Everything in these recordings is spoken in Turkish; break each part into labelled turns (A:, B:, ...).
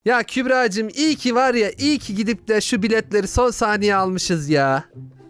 A: Ya Kübra'cığım iyi ki var ya, iyi ki gidip de şu biletleri son saniye almışız ya.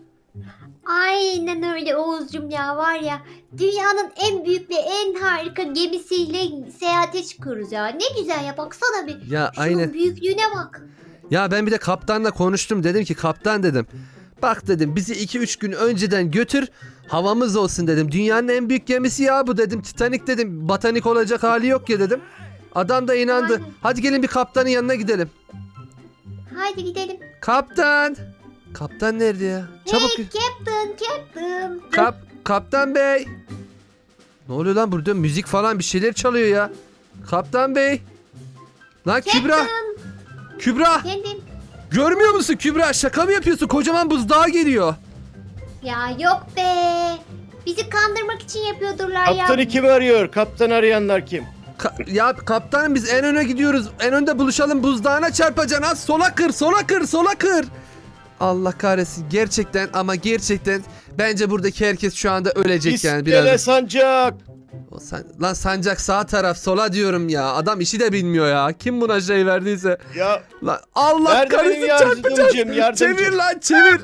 B: Aynen öyle Oğuzcum ya, var ya, dünyanın en büyük ve en harika gemisiyle seyahate çıkıyoruz ya. Ne güzel ya, baksana bir.
A: Ya
B: Şunun
A: aynen.
B: büyüklüğüne bak.
A: Ya ben bir de kaptanla konuştum, dedim ki kaptan dedim. Bak dedim, bizi 2-3 gün önceden götür, havamız olsun dedim. Dünyanın en büyük gemisi ya bu dedim. Titanic dedim, botanik olacak hali yok ya dedim. Adam da inandı.
B: Aynen.
A: Hadi gelin bir kaptanın yanına gidelim.
B: Haydi gidelim.
A: Kaptan. Kaptan nerede ya? Çabuk.
B: Hey Captain.
A: Kaptan bey. Ne oluyor lan burada? Müzik falan bir şeyler çalıyor ya. Kaptan bey. Lan Kübra. Kübra.
B: Kendim.
A: Görmüyor musun Kübra? Şaka mı yapıyorsun? Kocaman buzdağı geliyor.
B: Ya yok be. Bizi kandırmak için yapıyordurlar ya.
C: Kaptanı kim arıyor? Kaptan arayanlar kim?
A: Ya kaptanım, biz en öne gidiyoruz. En önde buluşalım, buzdağına çarpacaksın. Az sola kır, sola kır, sola kır. Allah kahretsin. Gerçekten ama gerçekten bence buradaki herkes şu anda ölecek yani
C: İskele
A: biraz.
C: sancak.
A: Lan sancak sağ taraf, sola diyorum ya. Adam işi de bilmiyor ya. Kim buna şey verdiyse.
C: Ya
A: Lan Allah
C: nerede benim
A: kahretsin, çarpacağız.
C: yardımcım?
A: Çevir lan çevir.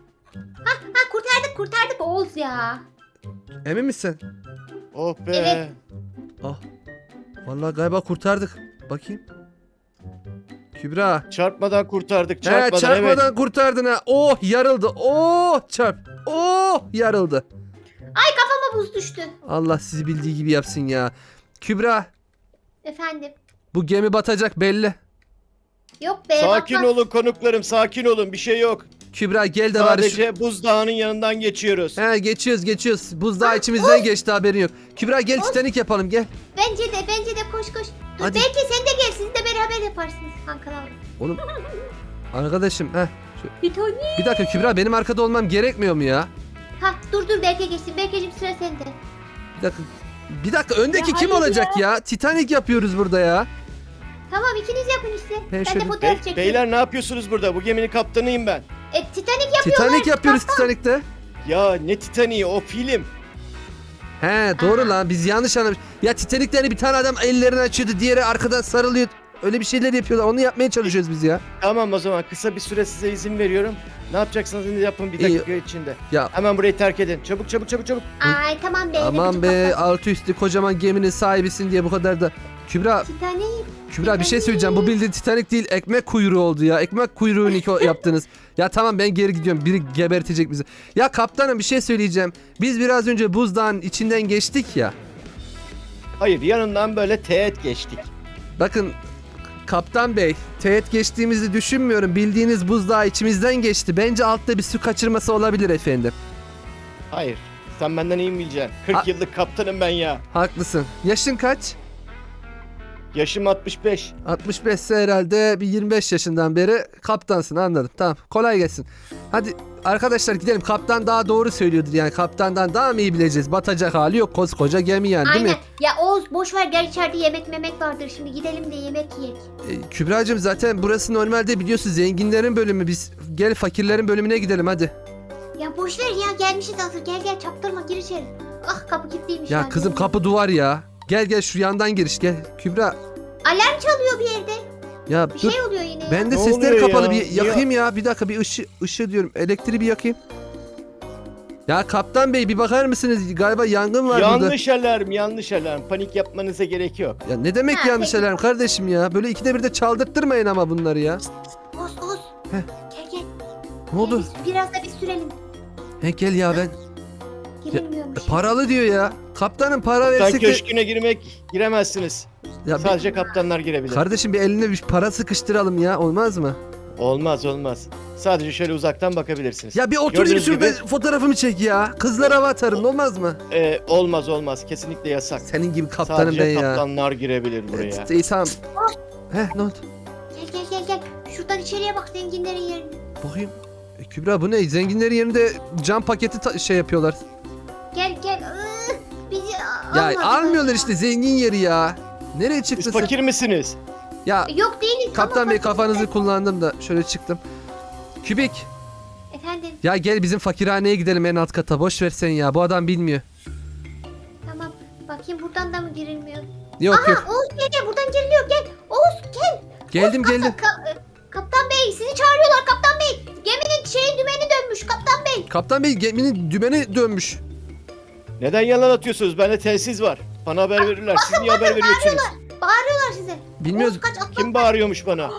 B: Ha, kurtardık Oğuz ya.
A: Emin misin?
C: Oh be.
B: Evet.
A: Ah. Vallahi galiba kurtardık. Bakayım. Kübra.
C: Çarpmadan kurtardık.
A: He,
C: Çarpmadan,
A: çarpmadan
C: evet.
A: kurtardın ha. Oh yarıldı. Oh çarp. Oh yarıldı.
B: Ay, kafama buz düştü.
A: Allah sizi bildiği gibi yapsın ya. Kübra,
B: Efendim.
A: bu gemi batacak belli.
B: Yok be.
C: Sakin
B: bakmaz.
C: olun konuklarım, sakin olun. Bir şey yok.
A: Kübra gel de bari şu...
C: Sadece buzdağının yanından geçiyoruz.
A: He, geçiyoruz. Buzdağı içimizden geçti, haberin yok. Kübra gel, Titanic yapalım gel.
B: Bence de koş. Dur,
A: Hadi.
B: belki sen de gel, siz de beraber yaparsınız kankalar.
A: Oğlum. Arkadaşım
B: Bir tane.
A: bir dakika Kübra, benim arkada olmam gerekmiyor mu ya?
B: Ha, dur belki geçsin. Belki'cim sıra sende.
A: Bir dakika öndeki
B: Ya
A: kim
B: hayır
A: olacak ya? Titanic yapıyoruz burada ya.
B: Tamam, ikiniz yapın işte.
A: Ben
B: Ben
A: şöyle-
B: de fotoğraf çekeyim.
C: Beyler ne yapıyorsunuz burada? Bu geminin kaptanıyım ben.
B: Titanic yapıyorlar.
A: Titanic yapıyoruz Titanic'te.
C: Ya ne Titanic'i, o film.
A: He doğru
B: Aha.
A: lan, biz yanlış anlamış. Ya Titanic'te hani bir tane adam ellerini açıyordu, diğeri arkadan sarılıyor. Öyle bir şeyler yapıyorlar, onu yapmaya çalışıyoruz biz ya.
C: Tamam, o zaman kısa bir süre size izin veriyorum. Ne yapacaksanız yapın bir
A: İyi.
C: dakika içinde.
A: Ya
C: Hemen burayı terk edin. Çabuk.
B: Ay tamam be.
A: aman be, altı üstü kocaman geminin sahibisin diye bu kadar da. Kübra
B: Titanic.
A: bir şey söyleyeceğim, bu bildiğin Titanic değil, ekmek kuyruğu oldu ya. Ekmek kuyruğunu yaptınız. Ya tamam, ben geri gidiyorum, biri gebertecek bizi. Ya kaptanım bir şey söyleyeceğim. Biz biraz önce buzdağın içinden geçtik ya.
C: Hayır, yanından böyle teğet geçtik.
A: Bakın kaptan bey, teğet geçtiğimizi düşünmüyorum. Bildiğiniz buzdağı içimizden geçti. Bence altta bir su kaçırması olabilir efendim.
C: Hayır. Sen benden iyi mi bileceksin? 40
A: Ha-
C: yıllık kaptanım ben ya.
A: Haklısın. Yaşın kaç?
C: Yaşım 65.
A: 65 ise herhalde bir 25 yaşından beri kaptansın, anladım. Tamam, kolay gelsin. Hadi arkadaşlar gidelim. Kaptan daha doğru söylüyordur yani. Kaptandan daha mı iyi bileceğiz? Batacak hali yok, koskoca gemi yani, değil
B: Aynen.
A: mi?
B: Ya Oğuz boş ver, gel içeride yemek memek vardır. Şimdi gidelim de yemek yiyek.
A: Kübra'cığım zaten burası normalde biliyorsun zenginlerin bölümü. Biz gel fakirlerin bölümüne gidelim hadi.
B: Ya boş ver ya, gelmişiz hazır. Gel çaktırma, gir içeri. Ah, kapı kilitliymiş.
A: Ya
B: lan.
A: kızım, kapı duvar ya. Gel şu yandan giriş gel. Kübra
B: Alarm çalıyor bir yerde.
A: ya
B: Bir
A: dur.
B: şey oluyor yine.
A: Ben de
C: Ne
A: sesleri
C: oluyor
A: kapalı,
C: ya?
A: bir yakayım ya. Bir dakika, bir ışığı diyorum. Elektriği bir yakayım. Ya kaptan bey bir bakar mısınız? Galiba yangın var burada.
C: Yanlış alarm. Panik yapmanıza gerek yok.
A: Ya ne demek
B: Ha,
A: yanlış
B: peki.
A: alarm kardeşim ya? Böyle ikide bir de çaldırttırmayın ama bunları ya.
B: Oğuz.
A: Heh.
B: Gel.
A: Ne oldu?
B: Biraz da bir sürelim.
A: He gel ya ben.
B: Girilmiyormuş.
A: Paralı diyor ya. Kaptanım para
C: Sen
A: versek de...
C: köşküne giremezsiniz.
A: Ya
C: Sadece kaptanlar girebilir.
A: kardeşim bir eline bir para sıkıştıralım ya, olmaz mı?
C: Olmaz. Sadece şöyle uzaktan bakabilirsiniz.
A: Ya bir oturayım
C: Gördüğünüz
A: şurada,
C: gibi-
A: fotoğrafımı çek ya. Kızlara hava atarım, olmaz mı?
C: Olmaz. Kesinlikle yasak.
A: Senin gibi kaptanım
C: Sadece
A: ben ya.
C: kaptanlar girebilir buraya.
A: İyi tamam. Ne oldu?
B: Gel. Şuradan içeriye bak, zenginlerin yerine.
A: Bakayım. Kübra bu ne? Zenginlerin yerinde cam paketi şey yapıyorlar.
B: Gel. Bizi
A: Ya
B: almadılar
A: almıyorlar
B: ya.
A: işte, zengin yeri ya. Nereye çıktın
C: Siz
A: sen?
C: fakir misiniz?
A: Ya
B: Yok değiliz.
A: kaptan
B: ama
A: bey,
B: fakir-
A: kafanızı kullandım da şöyle çıktım. Kübik.
B: Efendim,
A: Ya gel bizim fakirhaneye gidelim, en alt kata. Boş ver sen ya. Bu adam bilmiyor.
B: tamam. Bakayım buradan da mı girilmiyor?
A: Yok
B: Aha,
A: yok.
B: Oğuz gel, buradan giriliyor, gel. Oğuz gel.
A: Geldim.
B: Kaptan Bey sizi çağırıyorlar Kaptan Bey. Geminin dümeni dönmüş Kaptan Bey.
A: Kaptan Bey geminin dümeni dönmüş.
C: Neden yalan atıyorsunuz? Bende telsiz var. Bana haber verirler. Siz niye haber veriyorsunuz?
B: Bağırıyorlar size.
A: Bilmiyoruz.
B: Oğuz, kaç atla.
C: Kim bağırıyormuş bana?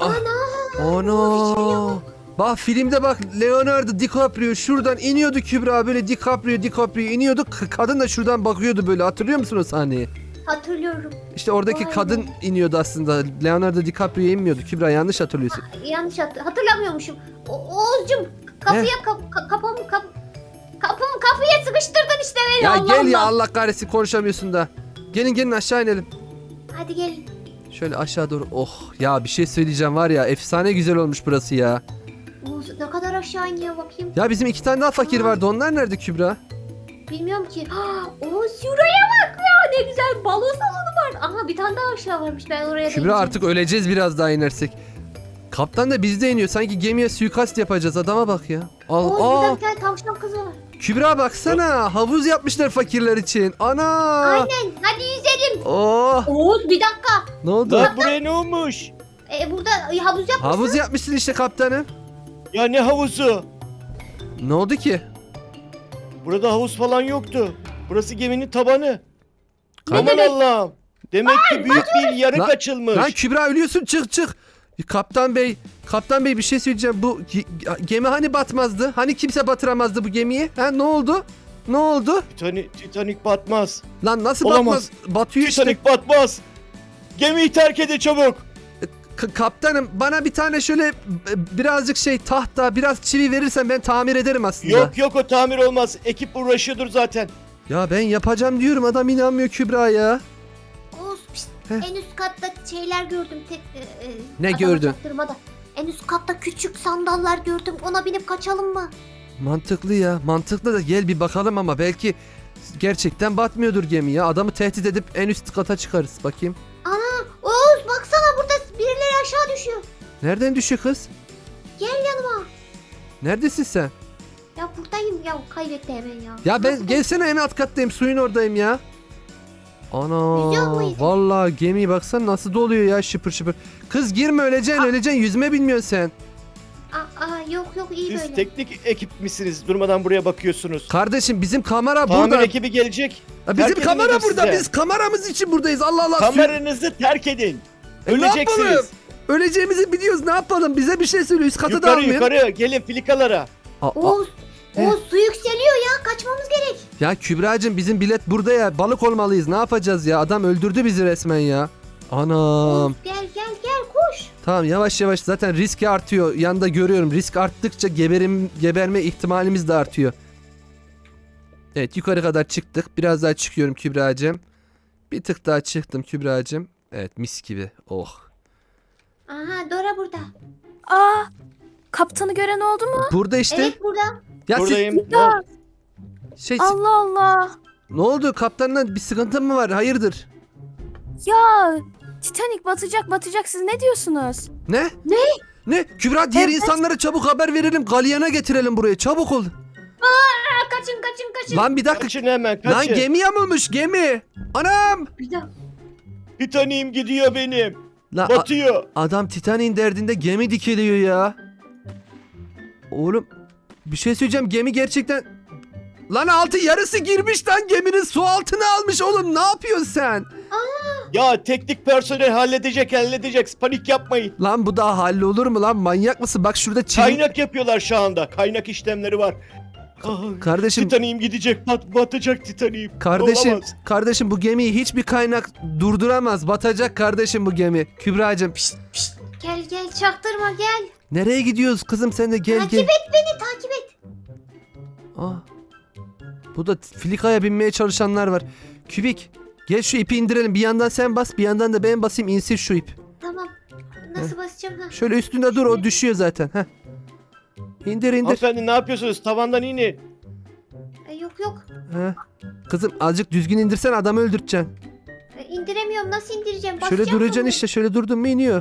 A: Ana. Bak filmde bak Leonardo DiCaprio şuradan iniyordu Kübra, böyle DiCaprio iniyordu. Kadın da şuradan bakıyordu böyle, hatırlıyor musun o sahneyi?
B: Hatırlıyorum.
A: İşte oradaki
B: Vay
A: kadın
B: be.
A: iniyordu aslında. Leonardo DiCaprio inmiyordu. Kübra yanlış hatırlıyorsun.
B: Yanlış hatırlamıyormuşum. Oğuzcum kapıya kapıya sıkıştırdın işte beni.
A: Ya
B: Allah
A: gel ya,
B: Allah.
A: Allah kahretsin konuşamıyorsun da. Gelin aşağı inelim.
B: Hadi gelin.
A: Şöyle aşağı doğru. Oh ya, bir şey söyleyeceğim var ya, efsane güzel olmuş burası ya.
B: Oğuz ne kadar aşağı iniyor bakayım.
A: Ya bizim 2 tane daha fakir vardı, onlar nerede Kübra?
B: Bilmiyorum ki. Oğuz şuraya bak ya, ne güzel balo salonu var. Aha bir tane daha aşağı varmış, ben oraya da
A: Kübra
B: ineceğim.
A: artık öleceğiz biraz daha inersek. Kaptan da bizde iniyor, sanki gemiye suikast yapacağız, adama bak ya.
B: Oğuz burada
A: Aa,
B: bir tane tavşan kızı var.
A: Kübra baksana, havuz yapmışlar fakirler için. Ana.
B: Aynen, hadi yüzelim.
A: Oh,
B: Oğuz bir dakika.
A: ne oldu?
C: Lan buraya ne olmuş?
B: Burada havuz yapmışsın.
A: Havuz yapmışsın işte kaptanım.
C: Ya ne havuzu?
A: Ne oldu ki?
C: Burada havuz falan yoktu. Burası geminin tabanı. Aman
B: demek?
C: Allah'ım. Demek ki büyük bir yarık
A: Lan-
C: açılmış.
A: Lan Kübra ölüyorsun, çık. Kaptan bey bir şey söyleyeceğim. Bu gemi hani batmazdı? Hani kimse batıramazdı bu gemiyi? Ha, ne oldu? Ne oldu?
C: Titanic batmaz.
A: Lan nasıl
C: Olamaz.
A: batmaz? Batıyor işte.
C: Titanic batmaz. Gemiyi terk edin çabuk.
A: Kaptanım bana bir tane şöyle birazcık tahta, biraz çivi verirsen ben tamir ederim aslında.
C: Yok o tamir olmaz. Ekip uğraşıyordur zaten.
A: Ya ben yapacağım diyorum, adam inanmıyor Kübra ya.
B: Oğuz pişt,
A: Heh.
B: en üst katta şeyler gördüm.
A: Ne
B: adama
A: gördün?
B: çaktırmadan. En üst katta küçük sandallar gördüm. Ona binip kaçalım mı?
A: Mantıklı ya, mantıklı da gel bir bakalım ama belki gerçekten batmıyordur gemi ya. Adamı tehdit edip en üst kata çıkarız, bakayım.
B: Oğuz baksana, burada birileri aşağı düşüyor.
A: Nereden düşüyor kız?
B: Gel yanıma.
A: Neredesin sen?
B: Ya buradayım ya, kaybetti hemen ya.
A: Ya ben
B: Nasıl-
A: gelsene, en alt kattayım, suyun oradayım ya.
B: Yüzüyor
A: Ana
B: muydun?
A: vallahi gemi baksana nasıl doluyor ya, şıpır. Kız girme, öleceksin yüzme bilmiyorsun sen.
B: Yok iyi
C: Siz
B: böyle.
C: teknik ekip misiniz? Durmadan buraya bakıyorsunuz.
A: Kardeşim bizim kamera
C: Tamir
A: burada.
C: ekibi gelecek.
A: Ya bizim
C: terk
A: kamera
C: edelim
A: burada,
C: size.
A: biz kameramız için buradayız, Allah Allah.
C: Kameranızı terk edin.
A: Ne yapalım?
C: Öleceksiniz.
A: Öleceğimizi biliyoruz, ne yapalım, bize bir şey söyle, üst kata da
C: Yukarı
A: almayın.
C: yukarı gelin filikalara.
B: Oğuz su yükseliyor ya, kaçmamız gerek.
A: Ya Kübra'cığım bizim bilet burada ya, balık olmalıyız, ne yapacağız ya, adam öldürdü bizi resmen ya. Anam.
B: Oğuz gel koş.
A: Tamam, yavaş zaten risk artıyor. Yanında görüyorum, risk arttıkça geberme ihtimalimiz de artıyor. Evet, yukarı kadar çıktık. Biraz daha çıkıyorum Kübra'cığım. Bir tık daha çıktım Kübra'cığım. Evet, mis gibi. Oh.
B: Aha Dora burada.
D: Aa, kaptanı gören oldu mu?
A: Burada işte.
B: Evet burada.
A: Ya
C: Buradayım.
D: Ya,
A: siz,
D: Allah Allah.
A: ne oldu, kaptanla bir sıkıntın mı var? Hayırdır?
D: Ya, Titanic batacak. Siz ne diyorsunuz?
A: Ne?
B: Ne?
A: Ne? Kübra, diğer
D: Evet.
A: insanlara çabuk haber verelim. Galyana getirelim buraya. Çabuk ol.
B: Kaçın.
A: Lan bir dakika.
C: Kaçın hemen
A: Lan
C: kaçın.
A: gemi yamulmuş, gemi. Anam.
B: Bir dakika.
C: Titanic'im gidiyor benim.
A: Lan
C: Batıyor.
A: adam Titanic'in derdinde gemi dikiliyor ya. Oğlum bir şey söyleyeceğim, gemi gerçekten... Lan altı yarısı girmiş lan, geminin su altına almış oğlum, ne yapıyorsun sen?
C: Ya teknik personel halledecek. Panik yapmayın.
A: Lan bu daha hallolur mu lan, manyak mısın? Bak şurada çivi...
C: Kaynak yapıyorlar şu anda. Kaynak işlemleri var. Ah,
A: Kardeşim,
C: Titanic'im gidecek. Batacak Titanic'im.
A: kardeşim,
C: Olamaz.
A: bu gemiyi hiçbir kaynak durduramaz. Batacak kardeşim bu gemi. Kübra'cığım
B: Gel çaktırma gel.
A: nereye gidiyoruz kızım, sen de gel.
B: Takip et beni, takip et.
A: Aa, bu da filikaya binmeye çalışanlar var. Kübik gel şu ipi indirelim, bir yandan sen bas, bir yandan da ben basayım, insin şu ip.
B: Tamam. Nasıl basacağım ha?
A: Şöyle üstünde dur, o düşüyor zaten. Heh. İndir.
C: Hanımefendi ne yapıyorsunuz? Tavandan inin.
B: Yok.
A: Heh. Kızım azıcık düzgün indirsen, adamı öldüreceksin.
B: İndiremiyorum. Nasıl indireceğim?
A: Şöyle
B: Basacağım
A: duracaksın
B: mı?
A: işte, şöyle durdun mu iniyor.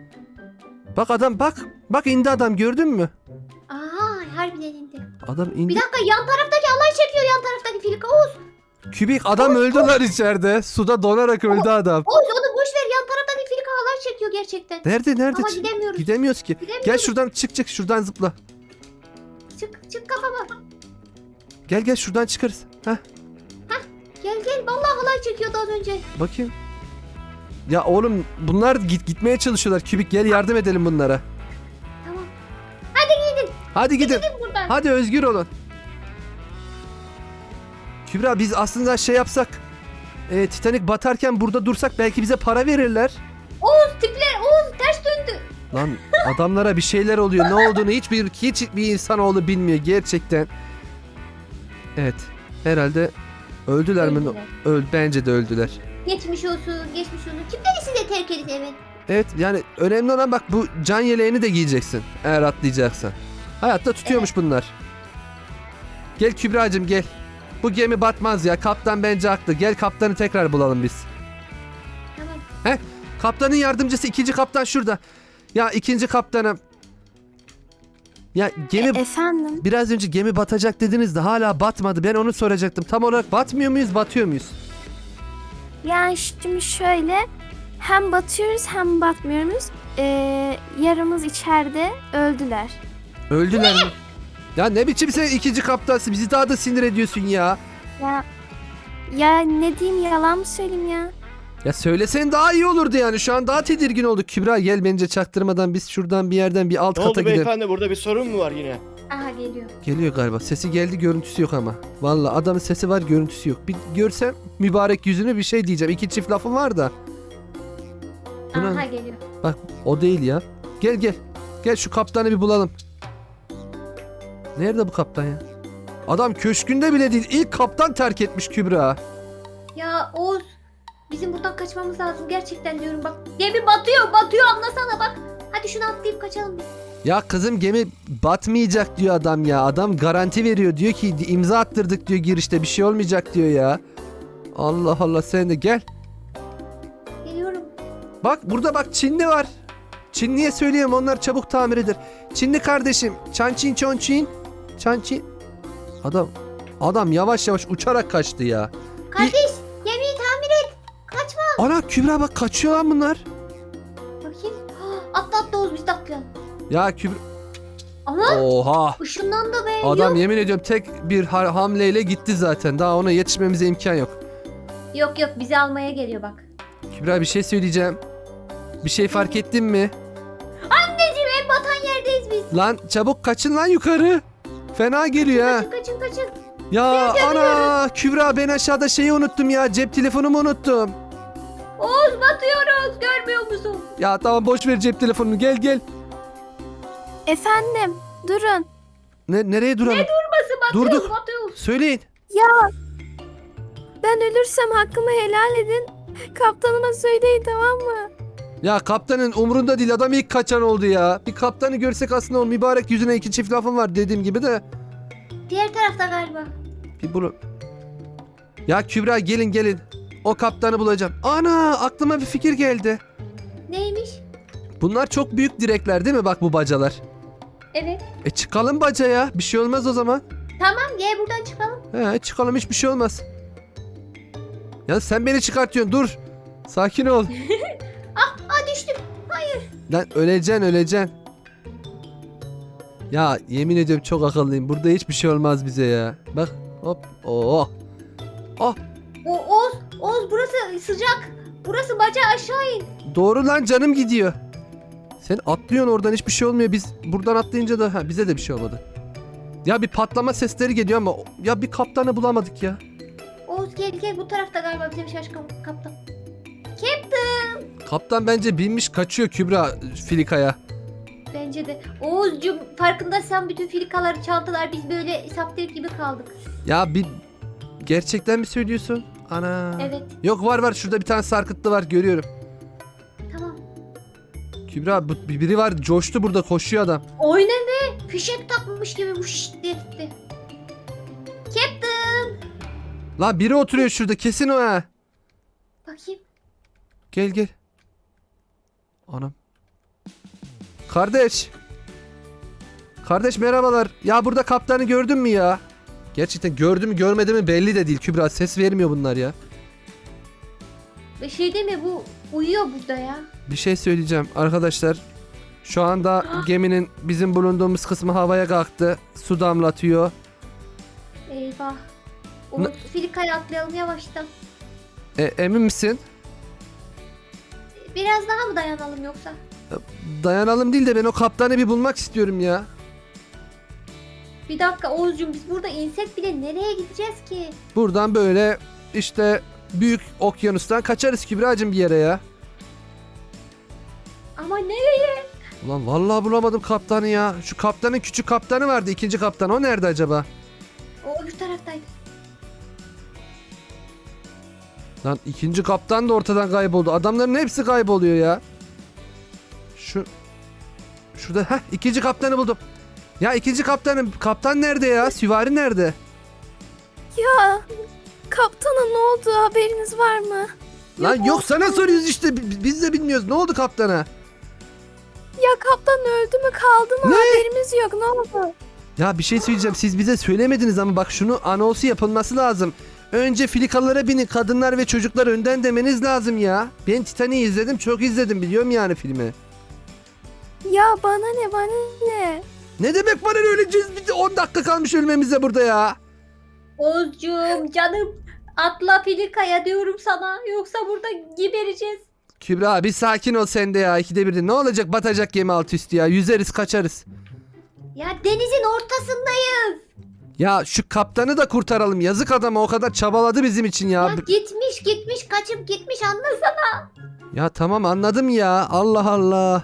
A: Bak adam, bak indi adam, gördün mü?
B: Harbiden indi.
A: Adam indi.
B: Bir dakika, yan taraftaki alay çekiyor, yan taraftaki filika. Oğuz
A: Kübik adam öldü lan içeride. Suda donarak öldü adam.
B: onu boş ver, yan taraftaki filika alay çekiyor. gerçekten.
A: Nerede?
B: Ama gidemiyoruz.
A: Gidemiyoruz ki.
B: Gidemiyoruz.
A: Gel şuradan çık şuradan zıpla.
B: Çık kafama.
A: Gel şuradan çıkarız. Heh,
B: Gel. Vallahi halay çekiyordu az önce.
A: bakayım. Ya oğlum bunlar gitmeye çalışıyorlar. Kübik gel yardım edelim bunlara.
B: Tamam.
A: Hadi gidin.
B: Gidin buradan.
A: Hadi özgür olun. Kübra biz aslında şey yapsak. Titanic batarken burada dursak belki bize para verirler.
B: Oğuz ters döndü.
A: Lan adamlara bir şeyler oluyor. Ne olduğunu hiçbir insanoğlu bilmiyor gerçekten. Evet. Herhalde öldüler mi? Bence de öldüler.
B: Geçmiş olsun. Kim dedi size terk edin eve?
A: Evet yani önemli olan bak bu can yeleğini de giyeceksin eğer atlayacaksan. Hayatta tutuyormuş bunlar. Gel Kübra'cığım gel. Bu gemi batmaz ya. Kaptan bence haklı. Gel kaptanı tekrar bulalım biz.
B: Tamam.
A: Kaptanın yardımcısı ikinci kaptan şurada. Ya ikinci kaptanım. Ya gemi
D: Efendim?
A: biraz önce gemi batacak dediniz de hala batmadı. Ben onu soracaktım. Tam olarak batmıyor muyuz, batıyor muyuz?
D: Yani şimdi şöyle, hem batıyoruz hem batmıyoruz. Yarımız içeride, öldüler.
A: Öldüler mi? Ya ne biçim sen ikinci kaptansın? Bizi daha da sinir ediyorsun ya.
D: Ya ne diyeyim, yalan mı söyleyeyim ya?
A: Ya söylesen daha iyi olurdu yani. Şu an daha tedirgin olduk. Kübra gel bence çaktırmadan biz şuradan bir yerden bir alt
C: Ne
A: kata
C: oldu
A: gidelim.
C: beyefendi, burada bir sorun mu var yine?
B: Aha geliyor.
A: Geliyor galiba. Sesi geldi, görüntüsü yok ama. Vallahi adamın sesi var, görüntüsü yok. Bir görsem mübarek yüzünü bir şey diyeceğim. İki çift lafım var da. Bu ne?
B: Aha geliyor.
A: Bak o değil ya. Gel. Gel şu kaptanı bir bulalım. Nerede bu kaptan ya? Adam köşkünde bile değil. İlk kaptan terk etmiş Kübra.
B: Ya Oğuz. Bizim buradan kaçmamız lazım. Gerçekten diyorum bak. Gemi batıyor anlasana bak. Hadi şunu atlayıp kaçalım biz.
A: Ya kızım gemi batmayacak diyor adam ya. Adam garanti veriyor. Diyor ki imza attırdık diyor girişte. Bir şey olmayacak diyor ya. Allah Allah sen de gel.
B: Geliyorum.
A: Bak burada bak Çinli var. Çinliye söyleyeyim onlar çabuk tamir eder. Çinli kardeşim. Çançin çonçin. Çançin. Adam yavaş yavaş uçarak kaçtı ya.
B: Kardeş gemiyi tamir et. Kaçma.
A: Ana Kübra bak kaçıyor lan bunlar.
B: Bakayım. Atla Oğuz biz de atlayalım.
A: Ya Kübra.
B: Ama
A: Oha.
B: ışınlandı be.
A: Adam yemin ediyorum tek bir hamleyle gitti zaten. Daha ona yetişmemize imkan yok.
B: Yok bizi almaya geliyor bak.
A: Kübra bir şey söyleyeceğim. Bir şey fark ettin mi?
B: Anneciğim en batan yerdeyiz biz.
A: Lan çabuk kaçın lan yukarı. Fena geliyor ha.
B: Kaçın.
A: Ya ana Kübra ben aşağıda şeyi unuttum ya. Cep telefonumu unuttum.
B: Oğuz batıyoruz görmüyor musun?
A: Ya tamam boş ver cep telefonunu. Gel.
D: Efendim, durun.
A: Nereye duralım?
B: Nasıl
A: Durduk.
B: batıyoruz.
A: Söyleyin.
D: Ya ben ölürsem hakkımı helal edin. Kaptanıma söyleyin, tamam mı?
A: Ya kaptanın umurunda değil. Adam ilk kaçan oldu ya. Bir kaptanı görsek aslında o mübarek yüzüne iki çift lafım var dediğim gibi de.
B: Diğer tarafta galiba.
A: Bir bunu. Ya Kübra gelin. O kaptanı bulacağım. Ana aklıma bir fikir geldi.
B: Neymiş?
A: Bunlar çok büyük direkler değil mi bak bu bacalar?
B: Evet.
A: Çıkalım bacaya. Bir şey olmaz o zaman.
B: Tamam gel buradan çıkalım.
A: Çıkalım hiçbir şey olmaz. Ya sen beni çıkartıyorsun dur. Sakin ol.
B: Düştüm.
A: Lan öleceksin. Ya yemin ediyorum çok akıllıyım. Burada hiçbir şey olmaz bize ya. Bak hop. Oh.
B: Oğuz burası sıcak. Burası bacağı aşağı in.
A: Doğru lan canım gidiyor. Sen atlıyorsun oradan hiçbir şey olmuyor. Biz buradan atlayınca da bize de bir şey olmadı. Ya bir patlama sesleri geliyor ama ya bir kaptanı bulamadık ya.
B: Oğuz gel bu tarafta galiba bizim şaşkın kaptan.
A: Kaptan bence binmiş kaçıyor Kübra filikaya.
B: Bence de. Oğuzcum farkındaysan bütün filikaları çaldılar. Biz böyle saftir gibi kaldık.
A: Ya bir gerçekten mi söylüyorsun? Ana.
B: Evet.
A: Yok var şurada bir tane sarkıtlı var görüyorum.
B: Tamam.
A: Kübra biri var coştu burada koşuyor adam.
B: Oyna be. Fişek takmış gibi bu şişt diye gitti. Captain.
A: Lan biri oturuyor şurada kesin o ha.
B: Bakayım.
A: Gel. Anam. Kardeş merhabalar. Ya burada kaptanı gördün mü ya? Gerçekten gördü mü görmedi mi belli de değil Kübra. Ses vermiyor bunlar ya.
B: Şey değil mi bu Uyuyor burada ya.
A: Bir şey söyleyeceğim arkadaşlar. Şu anda geminin bizim bulunduğumuz kısmı havaya kalktı. Su damlatıyor.
B: Eyvah. Umut filikaya atlayalım yavaştan.
A: Emin misin?
B: Biraz daha mı dayanalım yoksa?
A: Dayanalım değil de ben o kaptanı bir bulmak istiyorum ya.
B: Bir dakika Oğuzcuğum, biz burada insek bile nereye gideceğiz ki?
A: Buradan böyle işte büyük okyanustan kaçarız Kübra'cığım bir yere ya.
B: Ama nereye?
A: Ulan vallahi bulamadım kaptanı ya. Şu kaptanın küçük kaptanı vardı, ikinci kaptan. O nerede acaba?
B: O öbür taraftaydı.
A: Lan ikinci kaptan da ortadan kayboldu. Adamların hepsi kayboluyor ya. Şurada ikinci kaptanı buldum. Ya ikinci kaptan nerede ya? Süvari nerede?
D: Ya kaptana ne oldu, haberiniz var mı?
A: Lan yok sana soruyoruz işte. Biz de bilmiyoruz. Ne oldu kaptana?
D: Ya kaptan öldü mü, kaldı mı,
A: Ne?
D: haberimiz yok, ne oldu?
A: Ya bir şey söyleyeceğim. Siz bize söylemediniz ama bak şunu anonsu yapılması lazım. Önce filikalara binin, kadınlar ve çocuklar önden demeniz lazım ya. Ben Titanic'i izledim, çok izledim, biliyorum yani filmi.
D: Ya bana ne, bana ne?
A: Ne demek bana öleceğiz? Bir de 10 dakika kalmış ölmemize burada ya.
B: Oğuzcuğum canım, atla filikaya diyorum sana, yoksa burada gebereceğiz.
A: Kübra bir sakin ol sen de ya. İkide bir de. Ne olacak, batacak gemi alt üstü ya. Yüzeriz kaçarız.
B: Ya denizin ortasındayız.
A: Ya şu kaptanı da kurtaralım. Yazık adama, o kadar çabaladı bizim için ya.
B: Ya gitmiş kaçıp gitmiş, anlasana.
A: Ya tamam anladım ya. Allah Allah.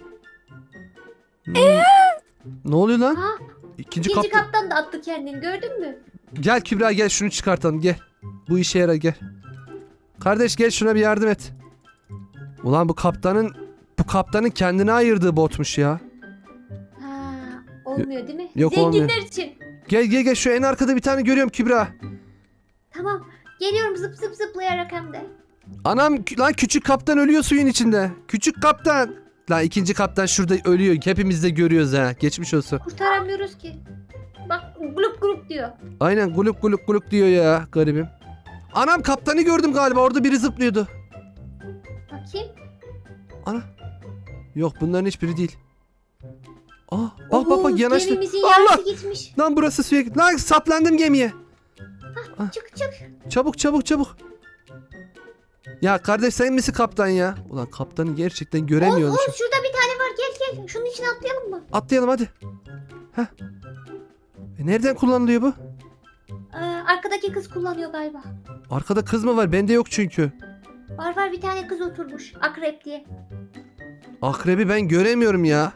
A: Ne oluyor lan?
B: Ha,
A: İkinci
B: ikinci
A: kaptan.
B: kaptan da attı kendini, gördün mü?
A: Gel Kübra gel, şunu çıkartalım gel. Bu işe yarar, gel. Kardeş gel şuna bir yardım et. Ulan bu kaptanın kendine ayırdığı botmuş ya.
B: Ha, olmuyor değil mi?
A: Yok,
B: Zenginler
A: olmuyor.
B: için.
A: Gel şu en arkada bir tane görüyorum Kübra.
B: Tamam, geliyorum zıp zıp zıplayarak hem de.
A: Anam lan küçük kaptan ölüyor suyun içinde. Küçük kaptan. Lan ikinci kaptan şurada ölüyor. Hepimiz de görüyoruz ha. Geçmiş olsun.
B: Kurtaramıyoruz ki. Bak grup grup diyor.
A: Aynen guluk guluk guluk diyor ya garibim. Anam kaptanı gördüm galiba, orada biri zıplıyordu.
B: Bakayım.
A: Ana. Yok bunların hiçbiri değil. Aa bak yanaştı.
B: Gemimizin
A: Allah.
B: yarısı gitmiş.
A: Lan burası suya gitti. Lan saplandım gemiye.
B: Çık.
A: Çabuk. Ya kardeş sen misin kaptan ya? Ulan kaptanı gerçekten göremiyorum.
B: Oğuz şurada bir tane var, gel. Şunun içine atlayalım mı?
A: Atlayalım hadi. Heh. Nereden kullanılıyor bu?
B: Arkadaki kız kullanıyor galiba.
A: Arkada kız mı var? Bende yok çünkü.
B: Var bir tane kız oturmuş. Akrep diye.
A: Akrebi ben göremiyorum ya.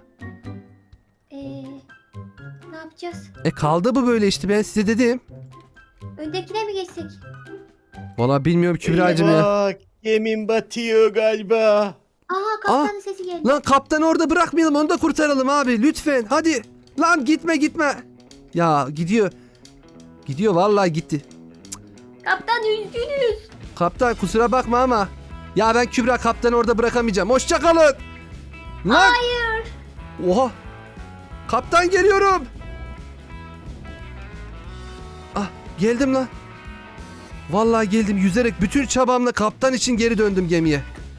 B: Ne yapacağız?
A: Kaldı bu böyle işte, ben size dedim.
B: Öndekine mi geçsek?
A: Valla bilmiyorum Kübra'cığım ya.
C: Bak gemin batıyor galiba.
B: Aha, kaptanın sesi geldi.
A: Lan kaptanı orada bırakmayalım, onu da kurtaralım abi lütfen hadi. Lan gitme. Ya gidiyor. Gidiyor vallahi gitti.
B: Kaptan üzgünüz.
A: Kaptan kusura bakma ama. Ya ben Kübra kaptanı orada bırakamayacağım. Hoşça kalın. Lan.
B: Hayır.
A: Oha. Kaptan geliyorum. Ah geldim lan. Vallahi geldim yüzerek, bütün çabamla kaptan için geri döndüm gemiye.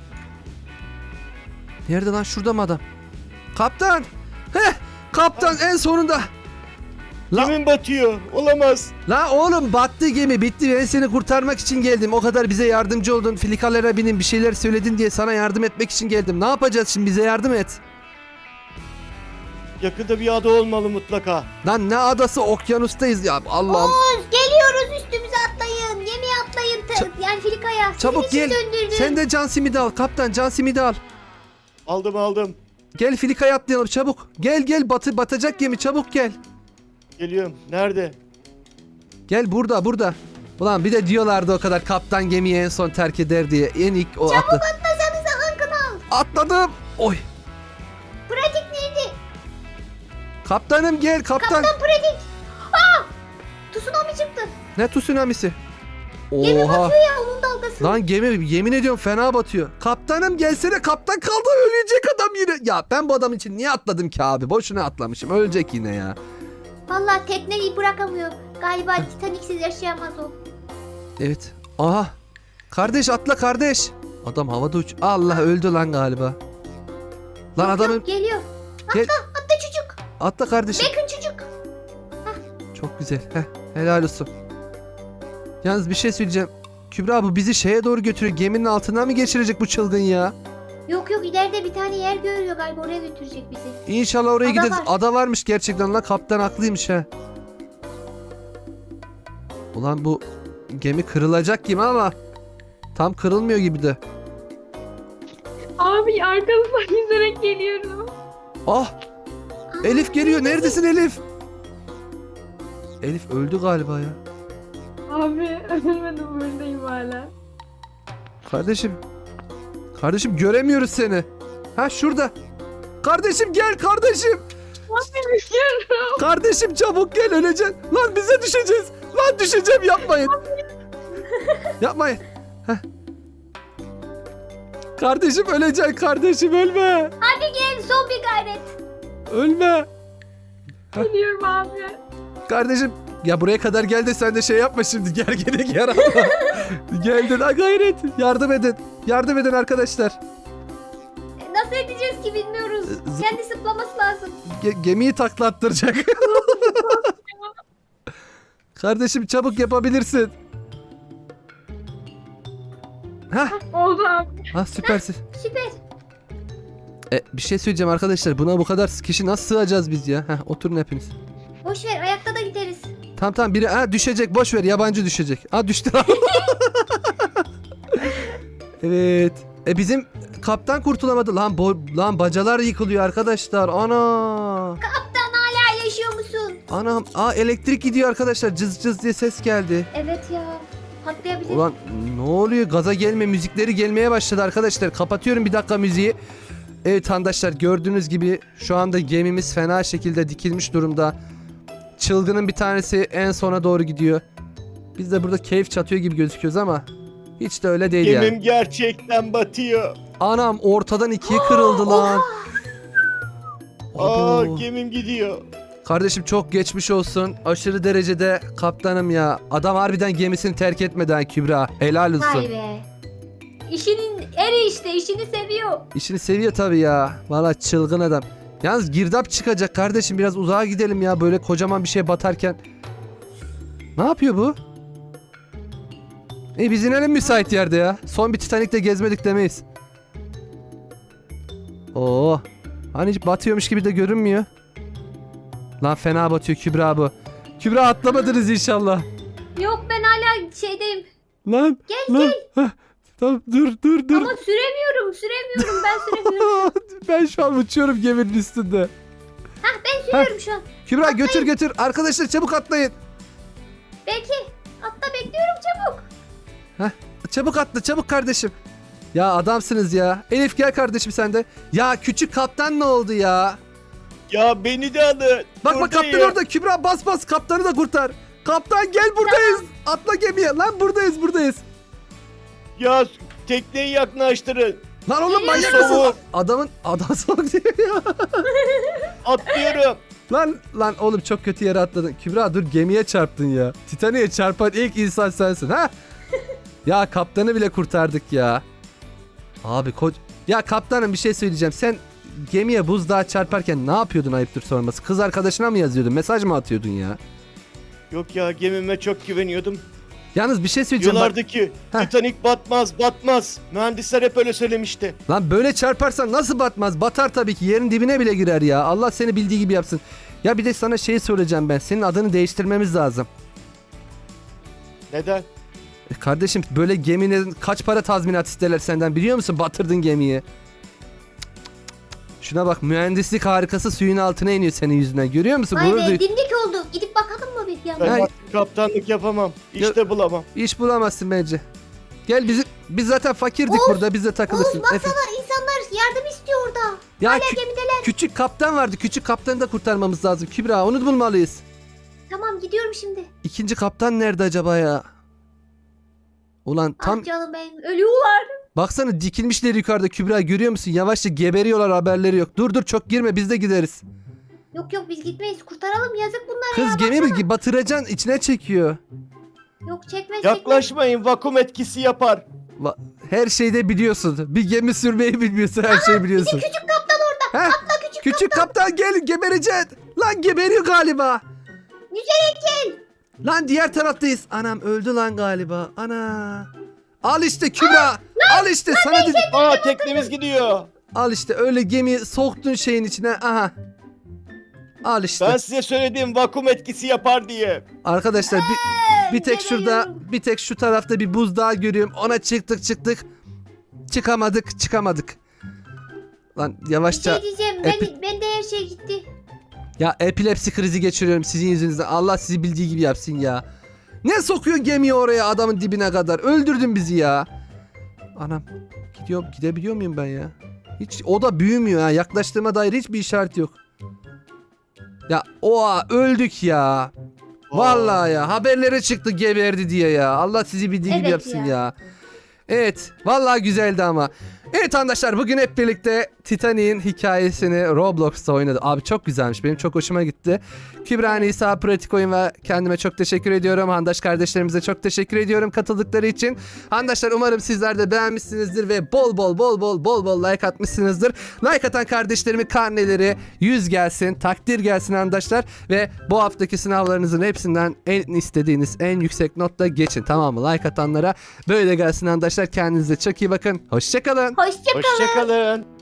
A: Nerede lan, şurada mı adam? Kaptan. Kaptan en sonunda. Lan,
C: Gemin batıyor. Olamaz.
A: lan oğlum battı gemi, bitti. Ben seni kurtarmak için geldim. O kadar bize yardımcı oldun. Filikalara binin, bir şeyler söyledin diye sana yardım etmek için geldim. Ne yapacağız şimdi, bize yardım et.
C: Yakında bir ada olmalı mutlaka.
A: Lan ne adası, okyanustayız ya Allah'ım.
B: Oğuz geliyoruz, üstümüze atlayın. Gemiye atlayın. Yani filikaya.
A: Çabuk
B: Sizin için
A: gel.
B: döndürdüm.
A: Sen de can simidi al kaptan, can simidi al.
C: Aldım.
A: Gel filikaya atlayalım çabuk. Gel batacak gemi, çabuk gel.
C: Geliyorum. Nerede?
A: Gel burada. Ulan bir de diyorlardı o kadar kaptan gemiyi en son terk eder diye. En ilk o
B: Çabuk
A: atladı.
B: atlasanıza, hakkını al.
A: Atladım. Oy.
B: Pratik nerede?
A: Kaptanım gel kaptan.
B: Kaptan pratik. Tsunami çıktı.
A: Ne tsunamisi?
B: Gemi
A: Oha.
B: batıyor ya, onun dalgası.
A: Lan gemi yemin ediyorum fena batıyor. Kaptanım gelsene, kaptan kaldı, ölecek adam yine. Ya ben bu adam için niye atladım ki abi? Boşuna atlamışım, ölecek yine ya.
B: Vallahi tekneyi bırakamıyor. Galiba Titanic'siz yaşayamaz o.
A: Evet. Aha. Kardeş atla kardeş. Adam havada uç. Allah öldü lan galiba. Lan adamın
B: Yok, geliyor.
A: Gel.
B: Atla çocuk.
A: atla kardeşim.
B: Bakın çocuk.
A: Çok güzel. Heh, helal olsun. Yalnız bir şey söyleyeceğim. Kübra bu bizi şeye doğru götürüyor. Geminin altından mı geçirecek bu çılgın ya?
B: Yok ileride bir tane yer görüyor galiba, oraya götürecek bizi.
A: İnşallah oraya
B: Ada
A: gideriz.
B: var.
A: Ada varmış gerçekten lan. Kaptan haklıymış ha. Ulan bu gemi kırılacak gibi ama tam kırılmıyor gibi de.
D: Abi arkanızdan yüzerek geliyorum.
A: Ah! Elif geliyor. Neredesin Elif? Elif öldü galiba ya.
D: Abi ölmedim, buradayım hala.
A: Kardeşim. Kardeşim göremiyoruz seni. Ha şurada. Kardeşim gel kardeşim.
D: Abi düşüyorum.
A: Kardeşim çabuk gel öleceksin. Lan bize düşeceğiz. Lan düşeceğim yapmayın. Yapmayın. Heh. Kardeşim öleceksin kardeşim ölme.
B: Hadi gel, son bir gayret.
A: Ölme.
D: Geliyorum abi.
A: Kardeşim ya buraya kadar gel de sen de şey yapma şimdi. Gerginlik yaratma. Geldin ha gayret. Yardım edin. Yardım edin arkadaşlar.
B: Nasıl edeceğiz ki bilmiyoruz. Kendi zıplaması lazım.
A: Gemiyi taklattıracak. Kardeşim çabuk yapabilirsin. Hah.
D: Oldu abi.
A: Ha süpersin.
B: Süper.
A: Bir şey söyleyeceğim arkadaşlar. Buna bu kadar kişi nasıl sığacağız biz ya? Heh, oturun hepiniz.
B: Boş ver, ayakta da gideriz.
A: Tamam biri düşecek boş ver yabancı düşecek. Düştü. Evet. Bizim kaptan kurtulamadı. Lan bacalar yıkılıyor arkadaşlar. Ana.
B: Kaptan hala yaşıyor musun?
A: Anam. Elektrik gidiyor arkadaşlar. Cız cız diye ses geldi.
B: Evet ya. Patlayabilir.
A: Ulan ne oluyor? Gaza gelme müzikleri gelmeye başladı arkadaşlar. Kapatıyorum bir dakika müziği. Evet arkadaşlar gördüğünüz gibi şu anda gemimiz fena şekilde dikilmiş durumda. Çılgının bir tanesi en sona doğru gidiyor. Biz de burada keyif çatıyor gibi gözüküyoruz ama hiç de öyle değil
C: Gemim
A: yani.
C: gerçekten batıyor.
A: Anam ortadan ikiye kırıldı lan. Abo.
C: Gemim gidiyor.
A: Kardeşim çok geçmiş olsun. Aşırı derecede kaptanım ya. Adam harbiden gemisini terk etmeden Kübra. Helal olsun.
B: Vay be. İşinin eri işte, işini seviyor.
A: İşini seviyor tabii ya. Valla çılgın adam. Yalnız girdap çıkacak kardeşim. Biraz uzağa gidelim ya. Böyle kocaman bir şey batarken. Ne yapıyor bu? Biz inelim müsait yerde ya. Son bir Titanic'te gezmedik demeyiz. Oo. Hani hiç batıyormuş gibi de görünmüyor. Lan fena batıyor Kübra bu. Kübra atlamadınız inşallah.
B: Yok, ben hala şeydeyim.
A: Lan.
B: Gel
A: lan. Heh, tamam dur.
B: Ama süremiyorum ben süremiyorum.
A: Ben şu an uçuyorum geminin üstünde.
B: Ben sürüyorum şu an.
A: Kübra götür. Arkadaşlar çabuk atlayın.
B: Belki. Hatta bekliyorum, çabuk.
A: Çabuk atla çabuk kardeşim. Ya adamsınız ya. Elif gel kardeşim sen de. Ya küçük kaptan ne oldu ya?
C: Ya beni de alın.
A: Bak kaptan
C: Buradayım.
A: orada. Kübra bas kaptanı da kurtar. Kaptan gel buradayız. Atla gemiye. Lan buradayız.
C: Ya tekneyi yaklaştırın.
A: Lan oğlum manyak
C: Soğuk.
A: mısın? Adam soğuk diyor ya.
C: Atlıyorum.
A: Lan oğlum çok kötü yere atladın. Kübra dur gemiye çarptın ya. Titanic'e çarpan ilk insan sensin ha? Ya kaptanı bile kurtardık ya. Abi ya kaptanım bir şey söyleyeceğim. Sen gemiye buzdağı çarparken ne yapıyordun ayıptır sorması? Kız arkadaşına mı yazıyordun? Mesaj mı atıyordun ya?
C: Yok ya, gemime çok güveniyordum.
A: Yalnız bir şey söyleyeceğim.
C: Diyorlardı ki
A: Heh.
C: Titanic batmaz. Mühendisler hep öyle söylemişti.
A: Lan böyle çarparsan nasıl batmaz? Batar tabii ki. Yerin dibine bile girer ya. Allah seni bildiği gibi yapsın. Ya bir de sana şey söyleyeceğim ben. Senin adını değiştirmemiz lazım.
C: Neden?
A: Kardeşim böyle geminin kaç para tazminat isterler senden biliyor musun? Batırdın gemiyi. Şuna bak mühendislik harikası suyun altına iniyor senin yüzünden. Görüyor musun?
B: Vay
A: Gurur
B: be,
A: duy-
B: dimdik oldu. Gidip bakalım mı bir yandan?
C: Ben
A: Ay.
C: artık kaptanlık yapamam. İşte bulamam.
A: İş bulamazsın bence. Gel biz zaten fakirdik burada. Biz de takılırsın.
B: Oğuz baksana, insanlar yardım istiyor orada.
A: Ya
B: Hala gemideler.
A: küçük kaptan vardı. Küçük kaptanı da kurtarmamız lazım. Kübra onu bulmalıyız.
B: Tamam, gidiyorum şimdi.
A: İkinci kaptan nerede acaba ya? Ulan tam
B: Ah canım benim, ölüyorlar.
A: baksana dikilmişler yukarıda Kübra görüyor musun? Yavaşça geberiyorlar haberleri yok. Dur çok girme biz de gideriz.
B: Yok biz gitmeyiz, kurtaralım, yazık bunlara
A: Kız
B: ya.
A: gemi mi batıracaksın içine çekiyor.
B: Yok çekmez.
C: Yaklaşmayın, vakum etkisi yapar.
A: Her şeyde biliyorsun. Bir gemi sürmeyi bilmiyorsun, her şeyi biliyorsun.
B: Küçük kaptan orada.
A: Heh,
B: Atla
A: küçük kaptan gel, gebereceksin. Lan geberiyor galiba.
B: Güzel.
A: Lan diğer taraftayız. Anam öldü lan galiba. Ana. Al işte Kübra. Al işte sana dedim.
C: Aa teknemiz gidiyor.
A: Al işte öyle gemi soktun şeyin içine. Aha. Al işte.
C: Ben size söyledim vakum etkisi yapar diye.
A: Arkadaşlar bir tek şurada,
B: geberiyorum.
A: bir tek şu tarafta bir buzdağı görüyorum. Ona çıktık. Çıkamadık. Lan
B: Bir
A: yavaşça.
B: şey diyeceğim. Ben de her şey gitti.
A: Ya epilepsi krizi geçiriyorum sizin yüzünüzden. Allah sizi bildiği gibi yapsın ya. Ne sokuyorsun gemiyi oraya adamın dibine kadar? Öldürdün bizi ya. Anam. Gidebiliyor muyum ben ya? Hiç o da büyümüyor ha. Yaklaştığıma dair hiçbir işaret yok. Ya oha öldük ya. Vallahi ya haberlere çıktı geberdi diye ya. Allah sizi bildiği gibi
B: Evet
A: yapsın
B: ya.
A: ya. Evet vallahi güzeldi ama. Evet arkadaşlar bugün hep birlikte Titanic'in hikayesini Roblox'ta oynadık. Abi çok güzelmiş, benim çok hoşuma gitti. Kübra, Nisa, Pratik Oyun ve kendime çok teşekkür ediyorum. Handaş kardeşlerimize çok teşekkür ediyorum katıldıkları için. Handaşlar umarım sizler de beğenmişsinizdir ve bol like atmışsınızdır. Like atan kardeşlerimin karneleri 100 gelsin, takdir gelsin handaşlar. Ve bu haftaki sınavlarınızın hepsinden en istediğiniz en yüksek notla geçin, tamam mı? Like atanlara böyle gelsin handaşlar. Kendinize çok iyi bakın. Hoşçakalın.
B: Hoşça kalın.
C: Hoşçakalın.